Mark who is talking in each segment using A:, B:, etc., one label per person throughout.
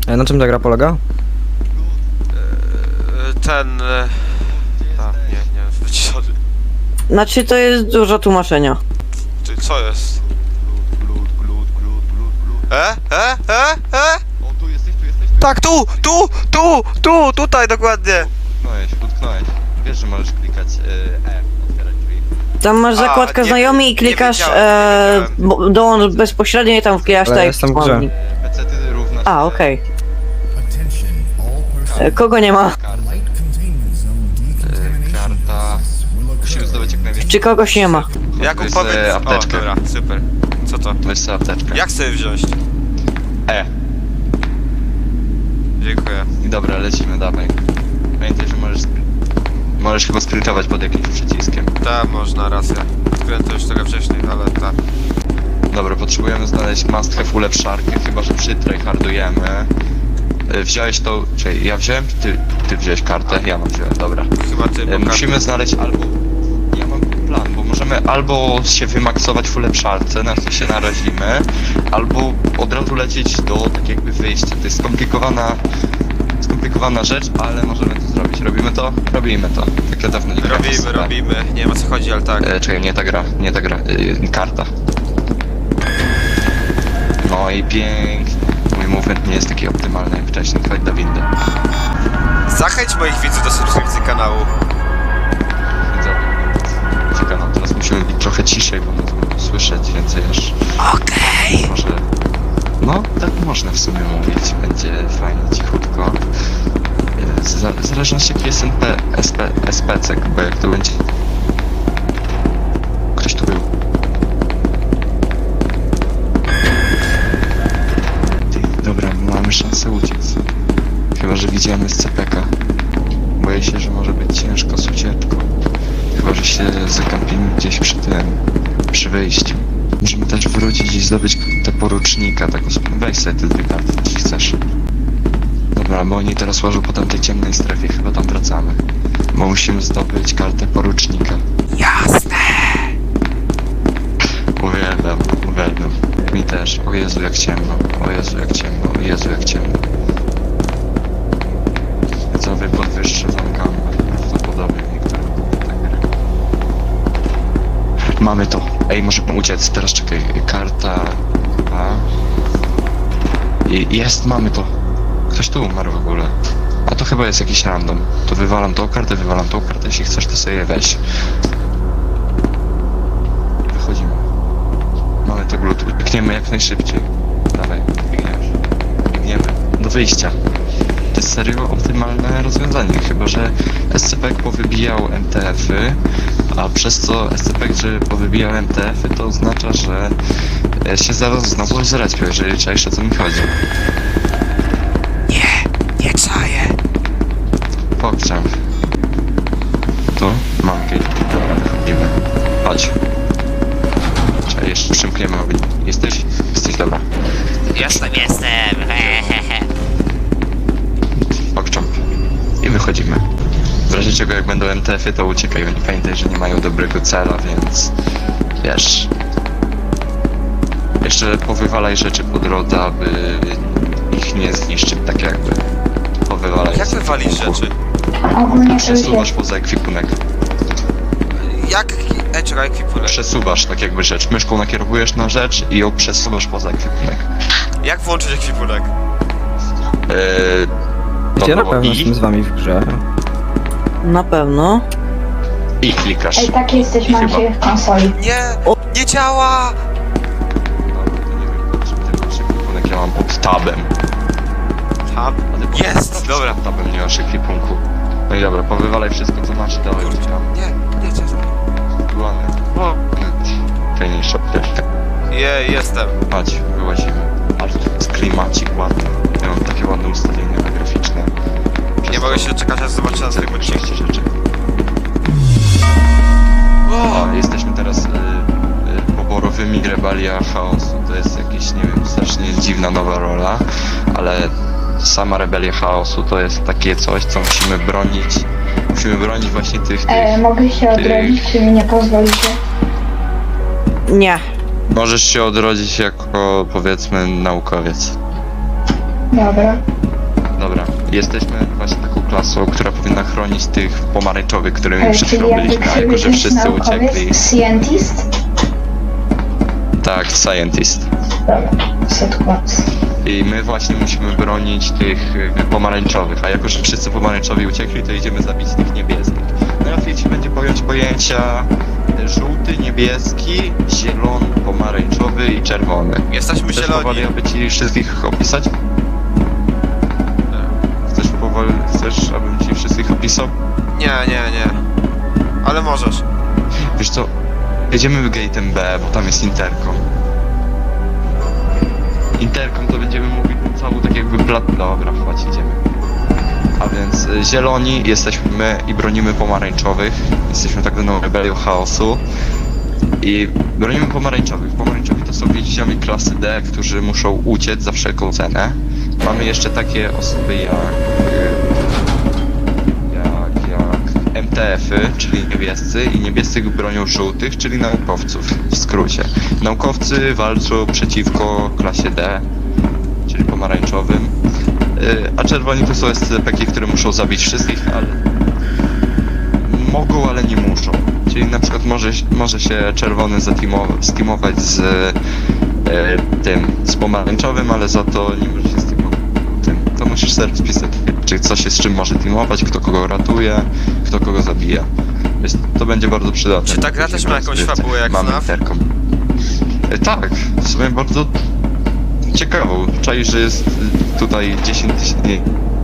A: Na czym ta gra polega?
B: Nie, wyciszony.
C: Znaczy to jest dużo tłumaczenia.
B: Ty, co jest?
D: O, tu jesteś.
B: Tak, tutaj dokładnie!
D: Utknąłeś. Wiesz, że możesz klikać otwierać drzwi.
C: Tam masz zakładkę
B: nie-
C: znajomi i
B: nie
C: klikasz
B: wiedziałem.
C: dołącz bezpośrednio i tam wklikasz
A: Ale
C: tak
A: jestem w grze.
D: PC ty równa się...
C: A, okej.
E: Attention, all personnel.
C: Kogo nie ma?
D: Karta.
E: Light containment zone
D: Karta. Musimy zdobyć jak najwięcej.
C: Czy kogoś nie ma?
B: Jakub
D: Weź
B: powiedz...
D: sobie apteczkę.
B: O, dobra, super. Co to?
D: Weź sobie apteczkę.
B: Jak sobie wziąć? Dziękuję.
D: I dobra, lecimy, dawaj. Pamiętaj, że możesz chyba sprintować pod jakimś przyciskiem.
B: Tak, można, racja. Odkryłem to już trochę wcześniej, ale tak.
D: Dobra, potrzebujemy znaleźć must have ulepszarkę, chyba że przytryhardujemy. Wziąłeś to... Czekaj, ja wziąłem, czy ty wziąłeś kartę? Ja mam wziąłem, dobra.
B: Chyba ty, bo
D: Musimy znaleźć albo... Ja mam plan, bo możemy albo się wymaksować w ulepszarce, na co się narazimy, albo od razu lecieć do tak jakby wyjścia. To jest skomplikowana rzecz, ale możemy to zrobić. Robimy to? Robimy to. Tak ja dawno nie grałem w SCP.
B: Robimy. Nie wiem o co chodzi, ale tak.
D: Czekaj, nie ta gra. Karta. No i pięknie. Mój movement nie jest taki optymalny jak wcześniej. Chodź do windy.
B: Zachęć moich widzów do subskrypcji kanału.
D: Czekaj, no teraz musimy być trochę ciszej, bo możemy słyszeć więcej aż...
B: Okej.
D: Może... No, tak można w sumie mówić. Będzie fajnie, cichutko. W zależności jaki jest SPC, bo jak to będzie... Ktoś tu był. Dobra, mamy szansę uciec. Chyba że widziałem SCP-ka. Boję się, że może być ciężko z ucieczką. Chyba że się zakampimy gdzieś przy wyjściu. Możemy też wrócić i zdobyć tę porucznika, taką... Weź sobie te dwie karty, jeśli chcesz. Dobra, bo oni teraz łożą po tamtej ciemnej strefie, chyba tam wracamy. Bo musimy zdobyć kartę porucznika.
B: Jasne.
D: Uwielbiam. Mi też. O Jezu, jak ciemno. O Jezu, jak ciemno. Widzowie podwyższę wam gamę. Prawdopodobnie niektóre tak gry. Mamy to. Ej, możemy uciec. Teraz czekaj. Karta... A... Mamy to. Ktoś tu umarł w ogóle. A to chyba jest jakiś random. To wywalam tą kartę. Jeśli chcesz, to sobie weź. Wychodzimy. Mamy to glut. Biegniemy jak najszybciej. Dawaj, biegniemy. Do wyjścia. To jest serio optymalne rozwiązanie, chyba że SCP powybijał MTF-y, a przez co SCP, że powybijał MTF-y, to oznacza, że się zaraz znowu zrespią, jeżeli czaisz, o co mi chodzi.
B: Nie czaję.
D: Pokczam. Tu? Mam kij. Dobra, wychodzimy. Chodź. Czekaj, jeszcze przymkniemy ogień. Jesteś, dobra.
B: Jestem.
D: Pokczam. I wychodzimy. W razie czego jak będą MTF-y, to uciekaj. Oni pamiętaj, że nie mają dobrego cela, więc... Wiesz... Jeszcze powywalaj rzeczy po drodze, aby ich nie zniszczyć, tak jakby. Powywalaj.
B: Jak wywalisz rzeczy?
F: Ogólnie
D: Przesuwasz poza ekwipunek.
B: Jak... czekaj, ekwipunek.
D: Przesuwasz tak jakby rzecz. Myszką nakierowujesz na rzecz i ją przesuwasz poza ekwipunek.
B: Jak włączyć ekwipunek?
A: Ja na pewno
D: I
A: jestem z wami w grze.
C: Na pewno.
D: klikasz.
F: Ej, taki jesteś
D: Chyba.
F: Maciej w konsoli.
B: Nie działa!
D: Dobra, to nie wiem, czym ty masz ekwipunek, ja mam pod tabem.
B: Tab?
D: A ty
B: Jest! Dobra.
D: Pod tabem nie masz ekwipunku. No i dobra, powywalaj wszystko co masz i dawaj
B: Kurczę.
D: tam.
B: Nie czekaj.
D: Ładnie. Fajniejsza apteczka.
B: Jestem.
D: Chodź, wyłazimy. Ale tu jest klimacik ładny. Ja mam takie ładne ustawienia graficzne.
B: Nie mogę się doczekać, aż zobaczę na swoim odcinku.
D: Większość rzeczy.
B: O!
D: A, jesteśmy teraz poborowymi Rebelia Chaosu. To jest jakiś, nie wiem, strasznie dziwna nowa rola, ale sama Rebelia Chaosu to jest takie coś, co musimy bronić. Musimy bronić właśnie tych...
F: Mogę się odrodzić, czy mi nie pozwolicie?
C: Nie.
D: Możesz się odrodzić jako, powiedzmy, naukowiec.
F: Dobra.
D: Dobra, jesteśmy właśnie taką klasą, która powinna chronić tych pomarańczowych, którymi przed
F: Czyli
D: chwilą
F: jakby
D: byliśmy, a jako że
F: krzywy
D: wszyscy uciekli.
F: naukowiec, scientist?
D: Tak, scientist.
F: Dobra, setkład.
D: I my właśnie musimy bronić tych pomarańczowych, a jako że wszyscy pomarańczowi uciekli, to idziemy zabić tych niebieskich. Najłatwiej ci będzie pojąć pojęcia żółty, niebieski, zielony, pomarańczowy i czerwony.
B: Jesteśmy
D: Chcesz
B: zieloni.
D: powoli, aby ci wszystkich opisać? Chcesz, abym ci wszystkich opisał?
B: Nie. Ale możesz.
D: Wiesz co, jedziemy gate'em B, bo tam jest interkom. Interkom to będziemy mówić całą tak jakby Dobra, chodź, idziemy. A więc zieloni jesteśmy my i bronimy pomarańczowych. Jesteśmy tak zwaną rebelią chaosu. I bronimy pomarańczowych. Pomarańczowi to są więźniowie klasy D, którzy muszą uciec za wszelką cenę. Mamy jeszcze takie osoby jak MTF-y, czyli niebiescy, i niebiescy bronią żółtych, czyli naukowców, w skrócie. Naukowcy walczą przeciwko klasie D, czyli pomarańczowym, a czerwoni to są SCP-ki, które muszą zabić wszystkich, ale mogą, ale nie muszą. Czyli na przykład może się czerwony steamować z z pomarańczowym, ale za to nie może się steamować tym. To musisz sobie wpisać, czy coś jest z czym może teamować, kto kogo ratuje, kto kogo zabija. Więc to będzie bardzo przydatne.
B: Czy ta gra też ma jakąś fabułę jak
D: Mamy
B: FNAF?
D: interkom. Tak, w sumie bardzo ciekawą. Czaisz, że jest tutaj 10 000...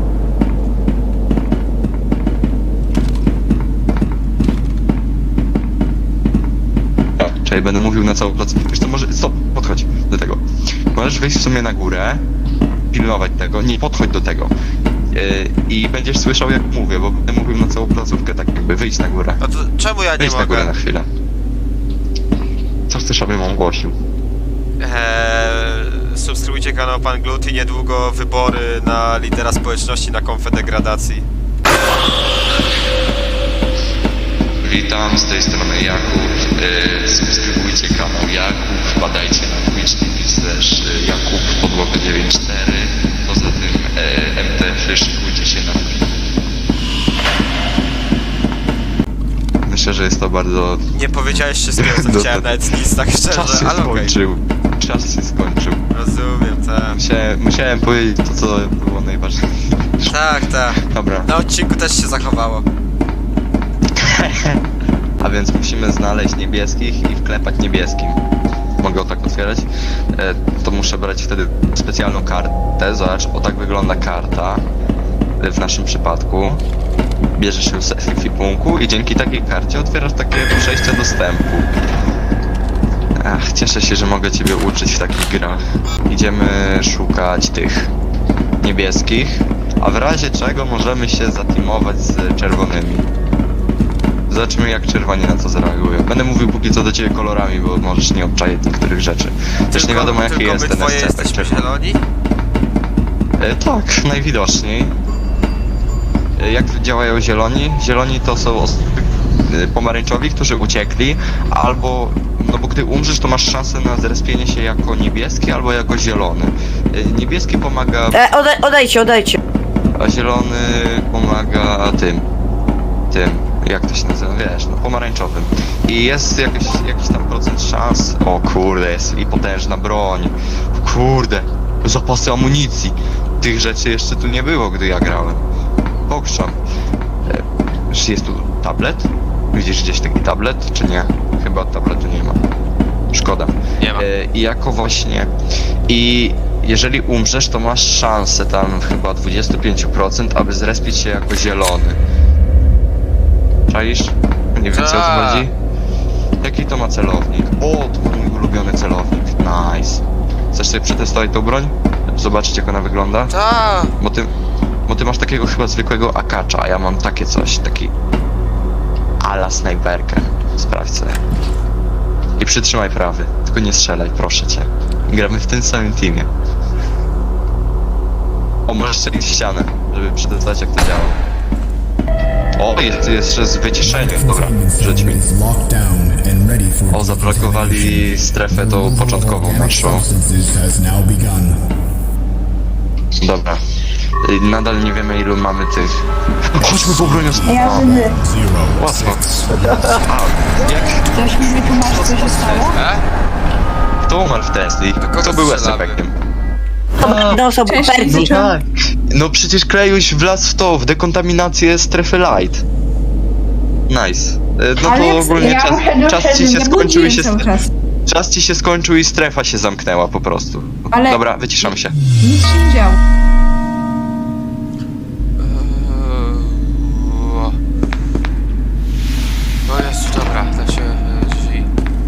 D: Czekaj, będę mówił na całą placówkę. Wiesz to może... Stop, podchodź do tego. Możesz wejść w sumie na górę, pilnować tego, nie podchodź do tego. I będziesz słyszał jak mówię, bo będę mówił na całą placówkę, tak jakby wyjdź na górę.
B: No to czemu ja nie
D: Wyjdź na górę na
B: mogę?
D: chwilę. Co chcesz, abym ogłosił?
B: Subskrybujcie kanał Pan Glut i niedługo wybory na lidera społeczności na Konfederacji.
D: Witam, z tej strony Jakub. Subskrybujcie kanał Jakub, wpadajcie na Twitch Jakub Podłoga 94. Poza tym MTF, szykujcie się na film. Myślę, że jest to bardzo...
B: Nie powiedziałeś wszystkiego, co
D: No to-
B: chciałem, nawet nic, tak
D: Czas
B: szczerze,
D: się
B: ale okej.
D: skończył. Czas się skończył.
B: Rozumiem, tak.
D: Musiałem powiedzieć to, co było najważniejsze.
B: Tak.
D: Dobra.
B: Na odcinku też się zachowało.
D: A więc musimy znaleźć niebieskich i wklepać niebieskim. Mogę tak otwierać? To muszę brać wtedy specjalną kartę. Zobacz, o tak wygląda karta. W naszym przypadku. Bierzesz ją z ekwipunku i dzięki takiej karcie otwierasz takie przejście dostępu. Ach, cieszę się, że mogę ciebie uczyć w takich grach. Idziemy szukać tych niebieskich, a w razie czego możemy się zateamować z czerwonymi. Zobaczymy jak czerwoni na to zareagują. Będę mówił póki co do ciebie kolorami, bo możesz nie obczaić niektórych rzeczy. Też nie wiadomo jaki
B: tylko
D: jest
B: my
D: ten
B: dwoje
D: SCP
B: jesteśmy
D: czerwony.
B: zieloni?
D: Tak, najwidoczniej. Jak działają zieloni? Zieloni to są osoby pomarańczowi, którzy uciekli, albo, no bo gdy umrzesz, to masz szansę na zrespienie się jako niebieski albo jako zielony. Niebieski pomaga,
C: Odejdźcie.
D: a zielony pomaga tym, jak to się nazywa, wiesz, no pomarańczowym. I jest jakiś tam procent szans, o kurde, jest i potężna broń, kurde, zapasy amunicji. Tych rzeczy jeszcze tu nie było, gdy ja grałem. Pokrzam. Jest tu tablet? Widzisz gdzieś taki tablet, czy nie? Chyba tabletu nie ma. Szkoda.
B: Nie ma.
D: I jako właśnie... I jeżeli umrzesz, to masz szansę tam chyba 25%, aby zrespić się jako zielony. Czaisz? Nie wiem, co o
B: Tak.
D: to chodzi? Jaki to ma celownik? O, to mój ulubiony celownik. Nice. Chcesz sobie przetestować tą broń? Zobaczyć jak ona wygląda?
B: Tak.
D: Bo ty masz takiego chyba zwykłego akacza, a ja mam takie coś, taki ala snajperkę. Sprawdź sobie. I przytrzymaj prawy, tylko nie strzelaj, proszę cię. Gramy w tym samym teamie. O, możesz strzelić w ścianę, żeby przetestować jak to działa. O, jest jeszcze z wyciszeniem, dobra, rzuć mi.
E: is locked down and ready for
D: O, zablokowali strefę tą początkową naszą.
E: substances has now begun.
D: Dobra. Nadal nie wiemy ilu mamy tych. Chodźmy po bronią.
F: Ja
D: O,
F: żywy.
E: Zero,
D: łatwo.
E: six.
F: Ktoś mi wytłumaczy, co się stało?
D: Kto umarł w Tesli?
B: kogo
D: Kto był
B: strzelamy?
D: SCP-kiem?
C: Jedna osoba Persji.
D: Tak. No przecież Klejuś wlazł w to, w dekontaminację strefy light. Nice. No to
F: Ale
D: ogólnie
F: ja muszę
D: czas ci
F: doszedł,
D: się
F: ja
D: skończył i się...
G: cały czas.
D: Czas ci się skończył i strefa się zamknęła po prostu.
G: Ale-
D: Dobra, wyciszam się.
G: Nic się nie działo.
B: No jest, dobra, da się drzwi.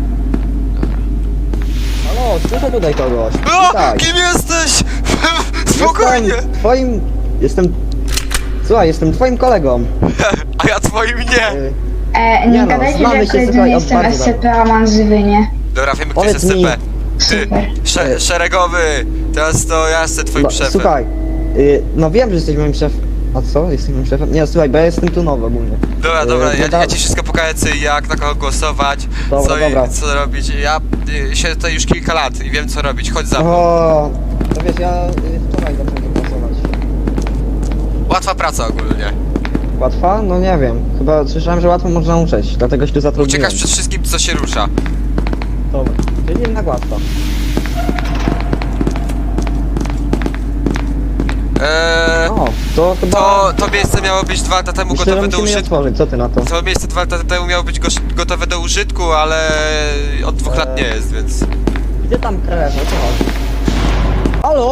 A: Halo, słyszę tutaj kogoś.
B: O,
A: Witaj.
B: kim jesteś? Spokojnie!
A: Jestem twoim... Jestem twoim kolegą.
B: A ja twoim nie!
A: Y,
F: Nie
A: Nie no,
F: gadajcie,
A: znamy
F: że
A: się,
F: kiedy
A: słuchaj,
F: nie
A: od
F: jestem
A: bardzo
F: SCP, a mam zwy, nie?
B: Dobra, wiemy kto jest
A: Powiedz mi-
B: SCP. Ty,
F: Super.
B: szeregowy! Teraz to ja jestem twoim
A: no,
B: szefem.
A: słuchaj, no wiem, że jesteś moim szefem. A co? Jesteś moim szefem? Nie, słuchaj, bo ja jestem tu nowy ogólnie.
B: Dobra,
A: no
B: ja ci wszystko pokażę, co i jak, na kogo głosować,
A: Dobra, dobra.
B: co robić. Ja siedzę tutaj już kilka lat i wiem co robić, chodź za mną.
A: O, to wiesz, ja wczoraj zacząłem pracować.
B: Łatwa praca ogólnie.
A: Łatwa? No nie wiem. Chyba słyszałem, że łatwo można uczyć, dlatego się tu zatrudniłem.
B: Uciekasz przed wszystkim, co się rusza.
A: Dobra, czyli jednak łatwo. O, to chyba...
B: To miejsce miało być 2 lata temu
A: Myślę, że
B: gotowe do
A: musimy je
B: użytku.
A: otworzyć, co ty na to?
B: To miejsce 2 lata temu miało być gotowe do użytku, ale od 2 lat nie jest, więc...
A: Gdzie tam krew? O co chodzi? Halo?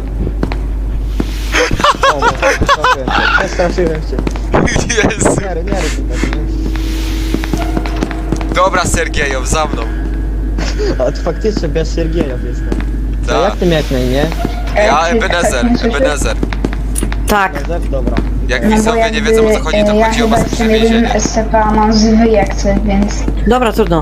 A: O, przestraszyłem cię.
B: Jezu.
A: Nie rób tego, nie?
B: Dobra, Sergiejow, za mną.
A: A to faktycznie bez Siergiejow jestem. To
B: Tak.
A: jak ty miałeś na imię?
B: Ja,
F: Czy ktoś
B: Ebenezer,
F: mnie słyszy?
B: Ebenezer.
C: Tak.
A: Józef? Dobra.
B: Jak
F: No bo
B: widzowie nie wiedzą o co chodzi, to
F: ja
B: chodzi o
F: chyba
B: bezpieczne
F: jestem jedynym
B: więzienie.
F: SCP, a mam zwy jak coś, więc...
C: Dobra, trudno.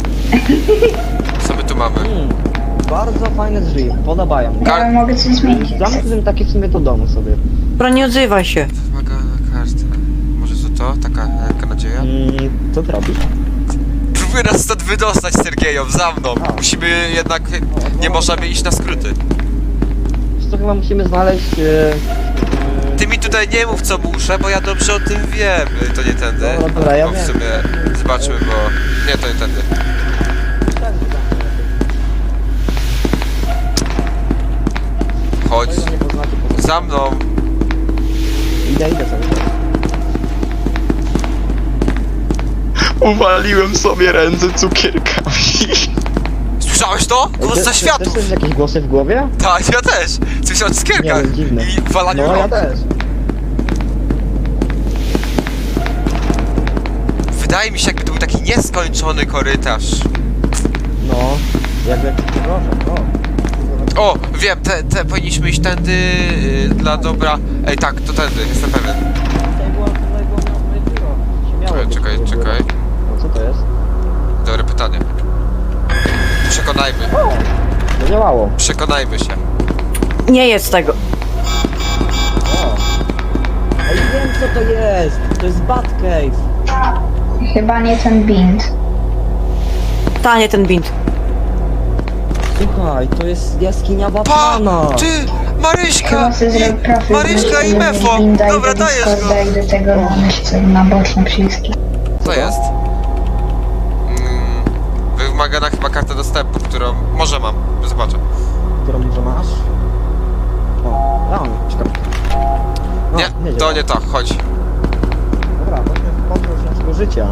B: Co my tu mamy?
A: Bardzo fajne drzwi, podobają mi.
F: Ja mogę coś zmienić. jak chcę.
A: Zamknąłem takie w sumie do domu sobie.
C: Dobra, nie odzywaj się.
B: Wymagana karta. Może to? Taka nadzieja?
A: Co ty robisz?
B: Próbuję nas stąd wydostać, Sergiejow, za mną. Musimy jednak... Nie możemy iść na skróty.
A: Wiesz co, chyba musimy znaleźć...
B: Ty mi tutaj nie mów co muszę, bo ja dobrze o tym wiem. To nie tędy.
A: Dobra, ja
B: Bo w
A: wiem.
B: sumie zobaczmy, bo... Nie, to nie tędy. Chodź,
A: Nie poznacie po
B: za mną.
A: Idę sobie.
D: Uwaliłem sobie ręce cukierkami.
B: Słyszałeś to? Głos za
A: Też
B: światów!
A: słyszysz jakieś głosy w głowie?
B: Tak, ja też! Słyszałem o cukierkach
A: Nie, dziwne.
B: i walaniu
A: No ja
B: rąk.
A: też.
B: Wydaje mi się, jakby to był taki nieskończony korytarz.
A: No, jakby jakiś proszę,
B: O, wiem, te powinniśmy iść tędy dla dobra... Ej, tak, to tędy, jestem pewien.
A: Tutaj było moje biuro. Śmiało być
B: Czekaj,
A: moje biuro.
B: czekaj.
A: No co to jest?
B: Dobre pytanie. Przekonajmy.
A: Zadziałało.
B: Przekonajmy się.
C: Nie jest tego.
A: O. Ej, wiem co to jest. To jest Batcave.
F: Chyba nie ten bind.
C: Ta, nie ten bint.
A: Słuchaj, to jest jaskinia
B: Pa!
A: Batmana.
B: Ty! Maryśka!
F: Chyba sobie zrobił profil.
B: Maryśka i
F: zrobić
B: Mefo!
F: binda i
B: Dobra,
F: do
B: dajesz go!
F: Discorda i do tego myślę na boczne przyciski.
B: Co jest? Wymagana chyba karta dostępu, którą może mam. Zobaczę.
A: Którą może masz? O, ja mam, czekam. No,
B: Nie, to
A: działa.
B: nie to, chodź.
A: Dobra, chodźmy w podróż naszego życia.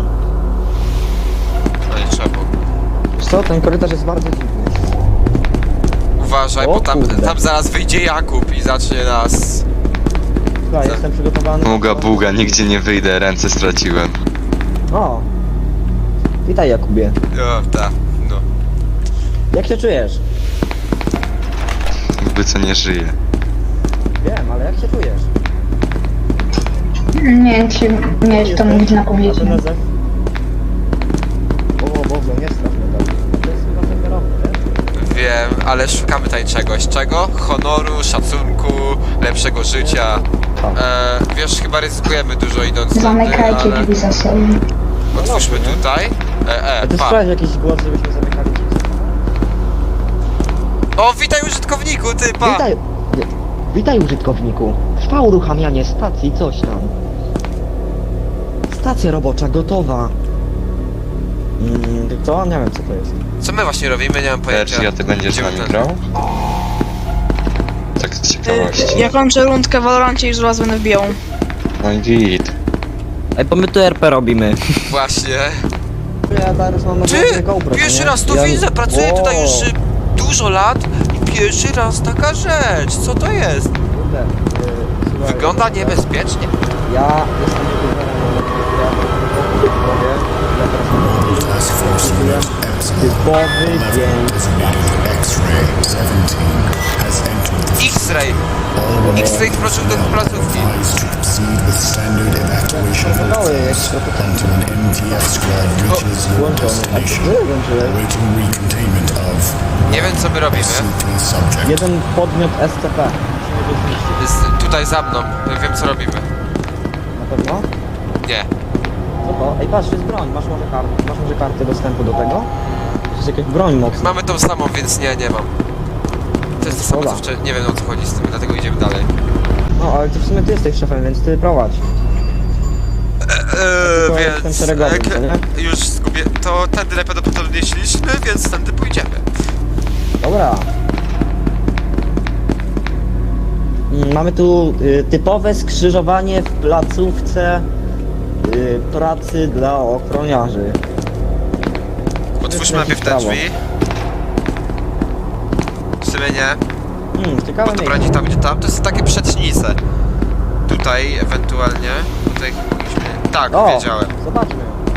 B: No nie trzeba było.
A: Wiesz co, ten korytarz jest bardzo dziwny.
B: Uważaj,
A: O
B: bo
A: kurde.
B: tam zaraz wyjdzie Jakub i zacznie nas...
A: Słuchaj,
B: Co?
A: jestem przygotowany.
D: Buga, buga, nigdzie nie wyjdę, ręce straciłem.
A: O. Witaj Jakubie.
B: O, tak, no.
A: Jak się czujesz?
D: Jakby co nie żyje.
A: Wiem, ale jak się czujesz?
F: Nie wiem, czy miałeś to mówić na publicznym.
A: Józef? O Boże, nie strasz mnie tak. To jest chyba serwerowy, wiesz?
B: Wiem, ale szukamy tutaj czegoś. Czego? Honoru, szacunku, lepszego życia. Wiesz, chyba ryzykujemy dużo idąc tędy,
F: Zamykajcie
B: ale...
F: drzwi za sobą.
B: Otwórzmy tutaj.
A: A ty
B: Pa.
A: sprawdź jakiś głos, żebyśmy zamykali drzwi.
B: O, witaj użytkowniku, ty, pa!
A: Witaj! Nie. Witaj użytkowniku. Trwa uruchamianie stacji coś tam. Stacja robocza gotowa. Co? Nie wiem co to jest.
B: Co my właśnie robimy? Nie mam pojęcia.
D: Czy ja ty będziesz z
B: Gdzie
D: nami
B: ten-
D: grał? Tak z ciekawości.
F: Ja kończę rundkę w Valorancie i już was będę wbijał.
D: No i git.
A: Ej, bo my tu RP robimy.
B: Właśnie.
A: Ja teraz mam
B: Ty! Pierwszy raz to widzę, pracuję tutaj już dużo lat i pierwszy raz taka rzecz. Co to jest? Wygląda niebezpiecznie.
A: Ja jestem
E: Task Force Unit
A: typowy dzień.
E: designated X-Ray 17 has entered the
B: X-ray.
E: all
B: X-ray wkroczył do placówki.
E: advised to proceed with standard evacuation process until an MTF squad reaches your destination. Awaiting recontainment of
B: Nie wiem co my robimy.
E: CP subject.
A: Jeden podmiot SCP.
B: Jest tutaj za mną. Wiem co robimy.
A: Na pewno?
B: Nie.
A: Co to? Ej, patrz, to jest broń. Masz może kartę dostępu do tego? To jest jakaś broń mocna.
B: Mamy tą samą, więc nie mam. To jest to samo co
A: Dobra.
B: wcześniej. Nie wiem o co chodzi z tym, dlatego idziemy dalej.
A: No, ale ty w sumie ty jesteś szefem, więc ty prowadź. tylko jestem
B: Więc
A: szeregowym, co nie?
B: już zgubię. To tędy najprawdopodobniej szliśmy, więc tędy pójdziemy.
A: Dobra. Mamy tu typowe skrzyżowanie w placówce pracy dla ochroniarzy.
B: Otwórzmy najpierw te
A: prawo.
B: drzwi. W sumie nie.
A: Ciekawe
B: Bo to
A: miejsce.
B: broni tam gdzie tam. To są takie przecznice. Tutaj ewentualnie. Tutaj mogliśmy. Tak,
A: O,
B: wiedziałem.
A: zobaczmy.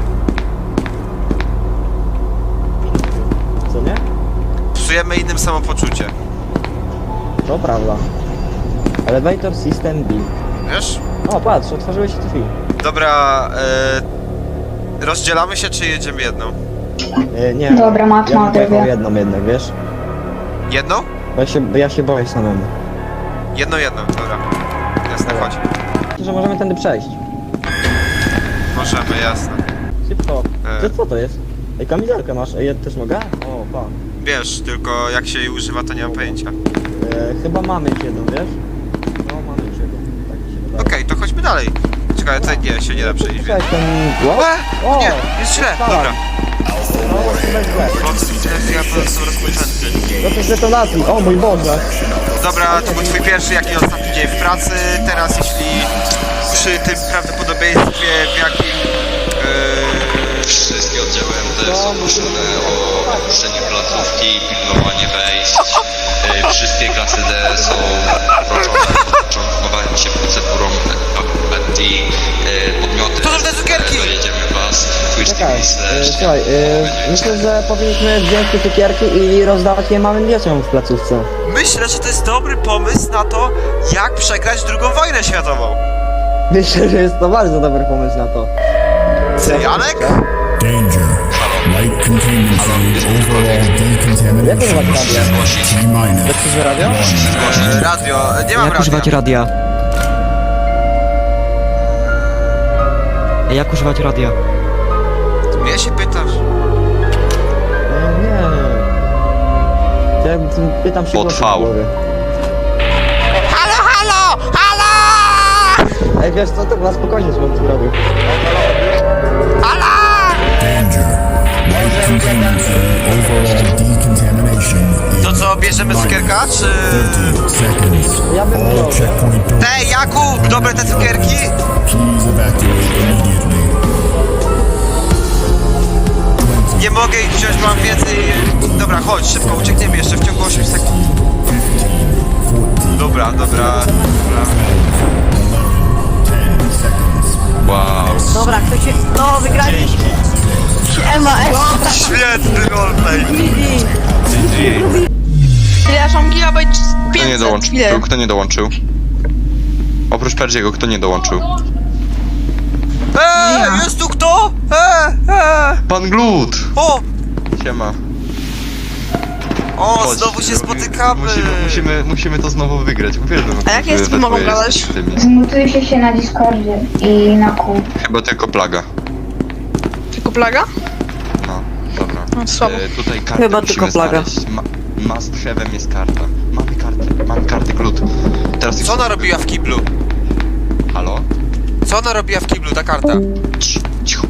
A: Co nie?
B: Psujemy innym samopoczucie.
A: To prawda. Elevator System B.
B: Wiesz?
A: O, patrz, otworzyły się drzwi.
B: Dobra, rozdzielamy się czy jedziemy jedną?
A: Nie.
F: Dobra, Mat
A: ja
F: ma
A: bym pojechał
F: drogę.
A: jedną jednak, wiesz?
B: Jedną?
A: Bo ja się boję samemu.
B: Jedną, dobra. Jasne, chodź.
A: Że możemy tędy przejść.
B: Możemy, jasne.
A: Szybko.
B: E.
A: Co to jest? Ej, kamizelkę masz. Ej, ja też mogę? O, pa.
B: Wiesz, tylko jak się jej używa to nie mam pojęcia.
A: Chyba mamy już jedną, wiesz? No, mamy już jedną. Tak mi się wydaje.
B: Okej, to chodźmy dalej. Czekaj, tutaj nie, się nie da przejść.
A: Cześć, ten... O!
B: Nie, jest źle,
A: tak.
B: dobra.
A: No, chyba jest źle.
B: Ja po prostu rozpoczęty.
A: No to z detonacji. O mój Boże.
B: Dobra, to był twój pierwszy, jak i ostatni dzień w pracy. Teraz jeśli przy tym prawdopodobieństwie w jakim...
D: Wszystkie oddziały MD są proszone o opuszczenie placówki, pilnowanie wejść. Wszystkie klasy D są proszone o początkowanie się procedurą Betty. Podmioty
B: To są te cukierki!
D: dojedziemy was.
A: Czekaj, słuchaj, myślę, że powinniśmy wziąć te cukierki i rozdawać je małym dzieciom w placówce.
B: Myślę, że to jest dobry pomysł na to, jak przegrać II wojnę światową.
A: Myślę, że jest to bardzo dobry pomysł na to.
B: Ty, Janek?
E: Danger. Light containment zone overall
A: Jak używać
E: decontamination.
A: radia?
E: T-minus.
A: Słyszysz radio?
B: Radio, nie mam radia.
G: radia? Jak używać radia?
B: Mnie się pytasz?
A: Nie. Ja pytam się
D: Pod
A: głosem
D: V.
A: w głowie.
B: Halo, halo! Halo!
A: Ej, wiesz co, to chyba spokojnie słońce zrobił.
B: Halo!
E: Danger. Light containment zone overall decontamination.
B: To co, bierzemy cukierka, czy...
E: 30 seconds.
A: Ja bym wziął,
E: All checkpoint doors.
B: Ej, Jakub, dobre te cukierki?
E: Please evacuate immediately.
B: Nie mogę ich wziąć, bo mam więcej... Dobra, chodź, szybko, uciekniemy jeszcze w ciągu 8 sekund. Dobra.
D: Wow.
C: Dobra, kto się... No, wygraliśmy! Siema,
B: Świetny roleplay!
F: Ile ja mam gigabajt?
D: Kto nie
F: 500,
D: dołączył?
F: ile?
D: Kto nie dołączył? Oprócz Perdziego, kto nie dołączył?
B: Jest tu kto?
D: Pan Glut!
B: O!
D: Siema.
B: O,
D: Chodź,
B: znowu się
D: robimy-
B: spotykamy!
D: Musimy to znowu wygrać. Uwielbiam.
F: A jakie jest
D: we
F: mogą
D: twoje
F: gadać?
D: z tymi.
H: Zmutujcie się na Discordzie i na kół.
D: Chyba tylko plaga.
F: Tylko plaga?
D: No, dobra.
F: No, słabo.
D: Tutaj kartę
C: Chyba
D: musimy
C: tylko plaga.
D: znaleźć. Must have'em jest karta. Mamy karty, Glut. teraz
B: Co ona robiła w kiblu?
D: Halo?
B: Co ona robiła w kiblu, ta karta?
D: Cicho.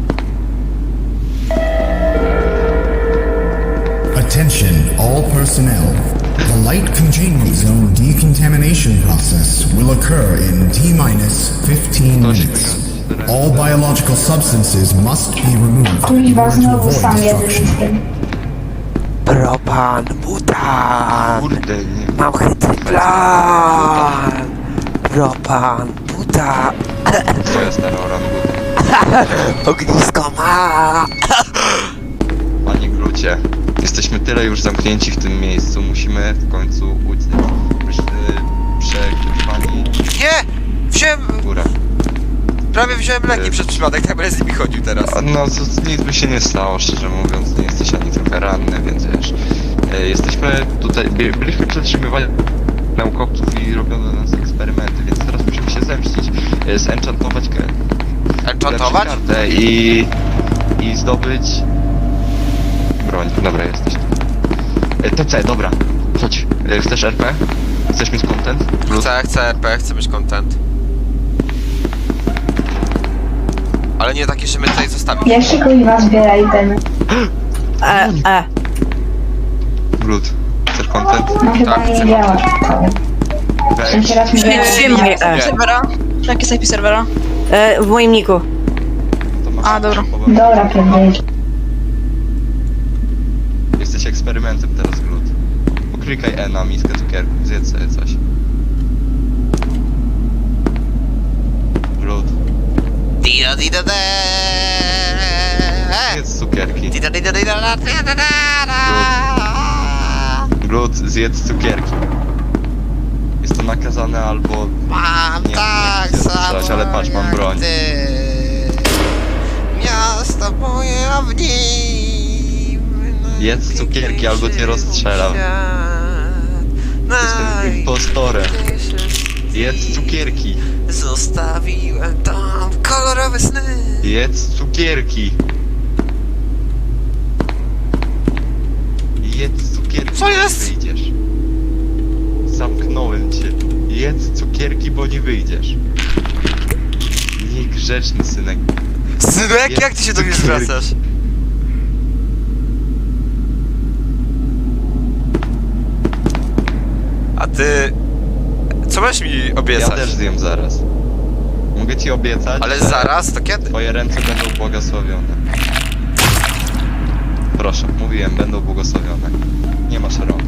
E: Attention, all personnel. The light containment zone decontamination process will occur in T-minus 15 minutes. All biological substances must be removed in
H: Kuźwa,
E: order to
H: znowu
E: avoid
H: sam jeden
E: destruction.
H: jestem.
B: Propan, butan.
D: Kurde, nie.
B: Mam chytry plan. Propan, butan.
D: Twoja stara oranguta.
B: Ognisko ma.
D: Panie Glucie, jesteśmy tyle już zamknięci w tym miejscu, musimy w końcu uciec. Pani
B: Nie! Wziąłem...
D: górę.
B: Prawie wziąłem leki przez przypadek, tak będę z nimi chodził teraz.
D: No, nic by się nie stało, szczerze mówiąc, nie jesteś ani trochę ranny, więc wiesz. Jesteśmy tutaj, byliśmy przetrzymywani naukowców i robiono na nas eksperymenty, więc teraz musimy się zemścić. Zenchantować
B: Enchantować?
D: kartę i zdobyć broń. Dobra, jesteś. TC, dobra. Chodź. Chcesz RP? Chcesz mieć content?
B: Chcę RP, chcę mieć content. Ale nie taki, że my tutaj zostawimy.
H: Jeszcze kuźwa zbieraj ten.
D: Blood. Chcesz content?
H: No chyba
B: Tak,
H: nie
B: chcę.
H: działa. W sensie raz mi
F: Nie,
B: Nie.
F: serwera? Jaki jest IP serwera?
A: W moim niku.
D: To masz
F: A, dobra.
H: Dobra, pierdolisz.
D: Jesteś eksperymentem teraz, Blood. Poklikaj E na miskę cukierków, zjedz sobie coś. Blood.
B: Dida dida da.
D: Zjedz cukierki.
B: Dida dida dida da, da, da, da.
D: Blood, zjedz cukierki. Jest to nakazane albo...
B: Mam
D: Nie,
B: tak
D: nie chcę
B: samo
D: strzelać, ale patrz, mam
B: jak
D: broń.
B: ty. Miasto moje, a w nim
D: Jedz cukierki, albo cię rozstrzelam. Jestem impostorem. Jedz cukierki.
B: Zostawiłem tam kolorowe sny.
D: Jedz cukierki. Jedz cukierki.
B: Co
D: bo
B: jest?
D: Nie wyjdziesz. Zamknąłem cię. Jedz cukierki, bo nie wyjdziesz. Niegrzeczny synek.
B: Synek,
D: Jedz
B: jak ty się do mnie
D: cukierki.
B: zwracasz? A ty... Co masz mi
D: Ja
B: obiecać?
D: też zjem zaraz. Mogę ci obiecać,
B: Ale
D: że
B: zaraz? To kiedy?
D: twoje ręce będą błogosławione. Proszę, mówiłem, będą błogosławione. Nie masz rąk.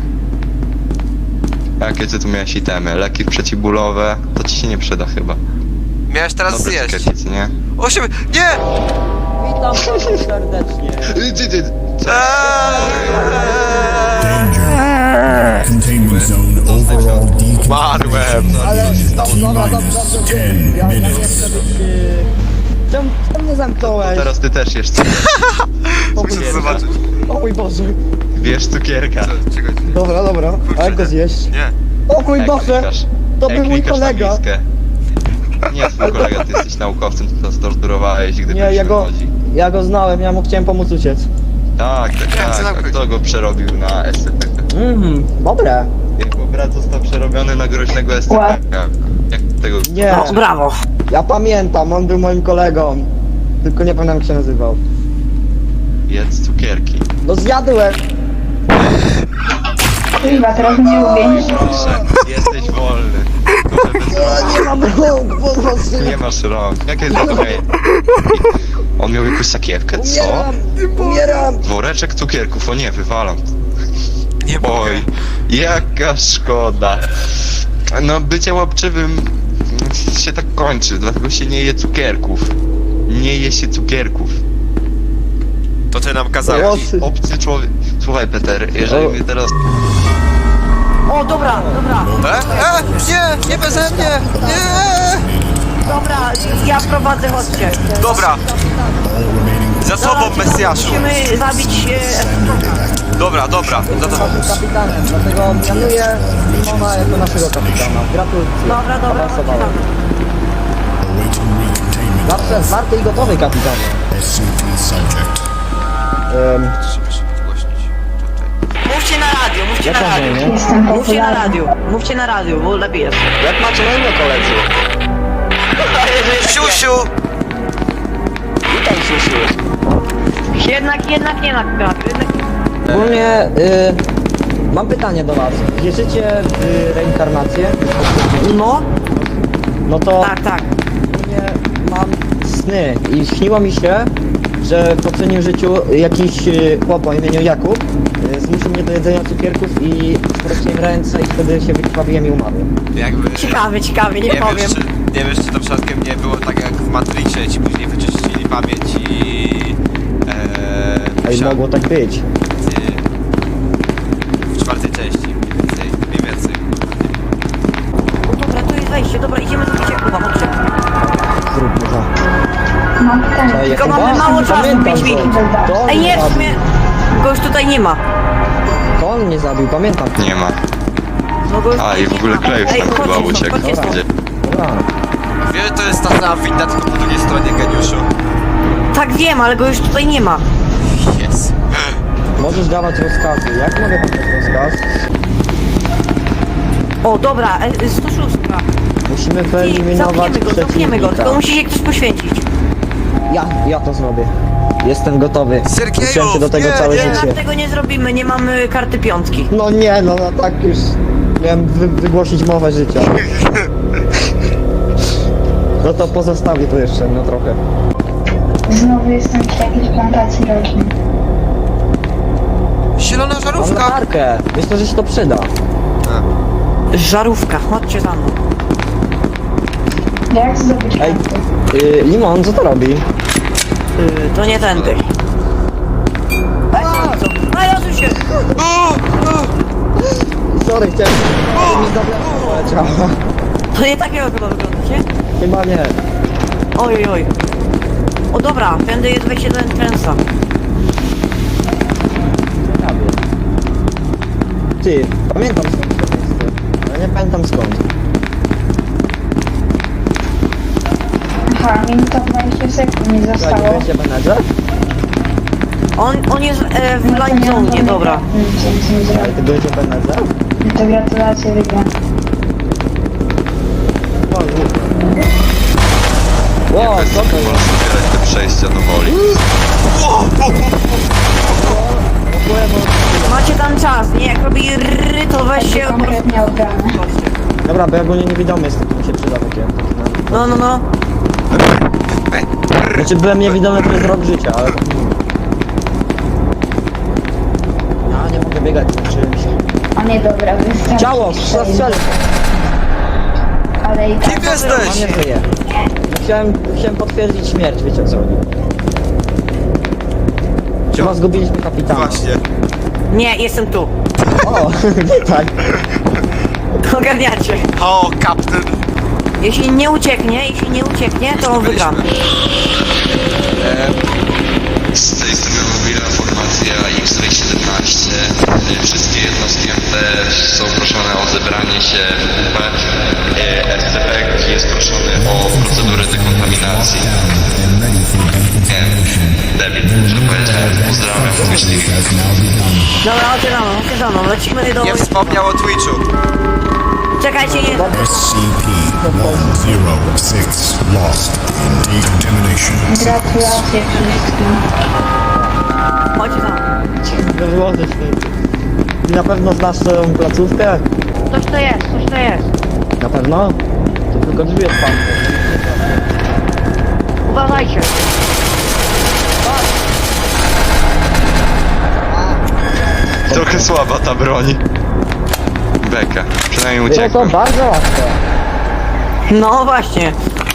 D: A jakie ty tu miałeś itemy? Leki przeciwbólowe? To ci się nie przyda chyba.
B: Miałeś teraz
D: Dobre
B: zjeść.
D: cukiernicy, nie?
B: 8... Nie!
A: Witam serdecznie.
E: Danger. Containment zone overall decontamination in T-minus 10
A: Ja nie
E: minutes.
A: chcę być... Czemu mnie zamknąłeś?
D: Teraz ty też jesz cukierka.
B: Muszę zobaczyć.
A: O mój Boże.
D: Bierz cukierka.
B: Czekaj.
A: Dobra. A jak go zjeść?
B: Nie.
A: O mój Boże! To był mój
D: klikasz na
A: kolega.
D: miskę. Nie twój kolega, ty jesteś naukowcem, ty to torturowałeś, gdy
A: Nie,
D: byliśmy
A: ja
D: młodzi.
A: go znałem, ja mu chciałem pomóc uciec.
D: Tak. A kto go przerobił na SCP?
A: Dobre.
D: Jego brat został przerobiony na groźnego SCP. Jak tego...
A: Nie,
F: Brawo.
A: ja pamiętam, on był moim kolegą. Tylko nie pamiętam jak się nazywał.
D: Jedz cukierki.
A: No zjadłem!
H: Kuźwa, teraz mnie uwięzi.
D: Proszę, jesteś wolny.
A: Nie mam rąk, pomocy!
D: Nie masz rąk. Jakie to okej? On miał jakąś sakiewkę, co?
A: Umieram!
D: Woreczek cukierków, o nie, wywalam.
B: Nie mogę.
D: Oj, jaka szkoda. No, bycie łapczywym się tak kończy, dlatego się nie je cukierków. Nie je się cukierków.
B: To ty nam kazałeś.
A: Włosy.
D: Obcy człowiek... Słuchaj, Peter, jeżeli mnie teraz...
F: O, dobra.
B: Nie beze mnie! Nie!
F: Dobra, ja prowadzę, chodźcie.
B: Dobra, za sobą, Mesjaszu.
F: Musimy zabić
B: Dobra.
A: Kapitanem, dlatego mianuję Simona jako naszego kapitana. Gratuluję.
F: Dobra,
A: Awansowałem.
E: Awaiting recontainment
A: Zawsze zwarty i gotowy kapitanie.
E: SCP subject.
B: Trzeba się podgłośnić. Tutaj.
C: Mówcie na radio, mówcie na
A: Jak
C: radio.
A: masz na imię?
H: Jestem
C: Mówcie na
H: popularny.
C: radio, mówcie na radio, bo lepiej jest.
B: Jak macie na imię, koledzy? Siusiu! Witam, Siusiu.
C: Jednak nie ma kratu, jednak nie.
A: Ogólnie mam pytanie do was. Wierzycie w reinkarnację?
C: No,
A: No to
C: tak.
A: ogólnie mam sny i śniło mi się, że w poprzednim życiu jakiś chłop o imieniu Jakub zmusił mnie do jedzenia cukierków i sprościłem ręce i wtedy się wykrwawiłem i umarłem.
B: Jakby...
C: Ciekawie, nie powiem.
B: Nie wiesz, czy to przypadkiem nie było tak jak w Matrixie, ci później wyczyścili pamięć i...
A: Ej, mogło tak być.
B: W czwartej części, mniej więcej.
C: No dobra, tu jest wejście, dobra, idziemy do Jakuba, chodźcie.
A: Zróbmy to.
H: Mam pytanie.
A: Ej,
C: Tylko
A: Jakuba?
C: mamy mało czasu,
A: Pamiętam
C: 5
A: go.
C: minut.
A: To on
C: Ej, nie, w
A: zabił.
C: sumie, go już tutaj nie ma.
A: To on mnie zabił, pamiętam.
D: Nie ma.
C: No go już
D: A,
C: tutaj
D: i w
C: nie
D: ogóle
C: ma.
D: Klejów
C: Ej,
D: tam chyba
C: chodźcie stąd,
D: uciekł.
C: chodźcie stąd.
D: Gdzie?
A: Dobra.
B: Wiesz, że to jest ta sama winda, tylko po drugiej stronie, geniuszu.
C: Tak wiem, ale go już tutaj nie ma.
B: Jest.
A: Możesz dawać rozkazy. Jak mogę dać rozkaz?
C: O, dobra, 106.
A: Musimy
C: I
A: wyeliminować
C: zamkniemy go, tylko
A: przeciwnika.
C: musi się ktoś poświęcić.
A: Ja to zrobię. Jestem gotowy.
B: Sergieju,
A: Uczyłem się do tego
B: nie,
A: całe
B: nie.
A: życie.
C: Tego nie zrobimy, nie mamy karty piątki.
A: No nie, no tak już miałem wygłosić mowę życia. No to pozostawię to jeszcze, no trochę.
H: Znowu jestem przy jakiejś plantacji roślin.
B: Zielona
A: Mam
B: żarówka!
A: latarkę. Myślę, że się to przyda.
C: Żarówka, chodźcie za mną.
H: Jak zdobyć
A: Ej,
H: karty?
A: Limon, co to robi?
C: To nie tędy. Znalazł się!
A: Sorry, chciałem... Mi zabrać poleciała.
C: To nie takiego chyba wygląda, nie?
A: Chyba nie.
C: Oj. O dobra, tędy jest wejście do entrance'a.
A: Ty, pamiętam skąd to miejsce. Ale nie pamiętam skąd.
H: Aha, minuta 20 sekund mi
A: Tak,
H: zostało.
A: wiecie menedżer?
C: On jest w line zone, dobra.
H: Nic nie
A: Ale
H: zrobię.
A: ty byłeś menedżer?
H: To gratulacje, wygram.
A: Wow, co to
D: Można
A: jest?
D: zbierać te przejścia do woli.
C: Macie tam czas, nie? Jak robi rry, to weź się...
H: Konkretnie obrane.
A: Dobra, bo ja ogólnie niewidomy jestem, to mi się przyda takie.
C: No.
A: Znaczy byłem niewidomy przez rok życia, ale... Ja nie mogę biegać z czymś.
H: A nie, dobra, wystarczy.
A: Ciało, strzel!
H: Ale i tak...
B: Kim
A: A
B: jesteś?
A: nie żyje. Chciałem potwierdzić śmierć, wiecie o co chodzi. Chyba zgubiliśmy kapitana.
B: Właśnie.
C: Nie, jestem tu.
A: O, tak.
C: Ogarniacie.
B: O, kapten.
C: Jeśli nie ucieknie, to wygramy.
D: Z tej strony mobilna formacja X-Ray 17. Wszystkie jednostki MT są proszone o zebranie się w UP. SCP jest proszony o procedurę dekontaminacji.
E: And ready for decontamination.
D: Debil, że powiedziałem. Pozdrawiam myśliwych.
E: Has now begun.
C: Dobra, chodźcie za mną, lecimy do...
B: Nie wspomniał o Twitchu.
C: Czekajcie, nie...
E: SCP-106 lost in decontamination.
H: Gratulacje wszystkim.
C: Chodźcie za mną.
A: Wyłożyć ty. Na pewno znasz tą placówkę?
C: Coś to jest.
A: Na pewno? To tylko drzwi otwarte.
C: Uważajcie.
D: Trochę słaba ta broń. Beka. Przynajmniej
A: Było to
D: uciekłem.
A: bardzo łatwe.
C: No właśnie.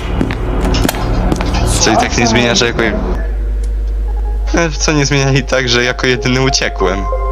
D: Czyli tak nie zmienia, że jako... Co nie zmienia i tak, że jako jedyny uciekłem.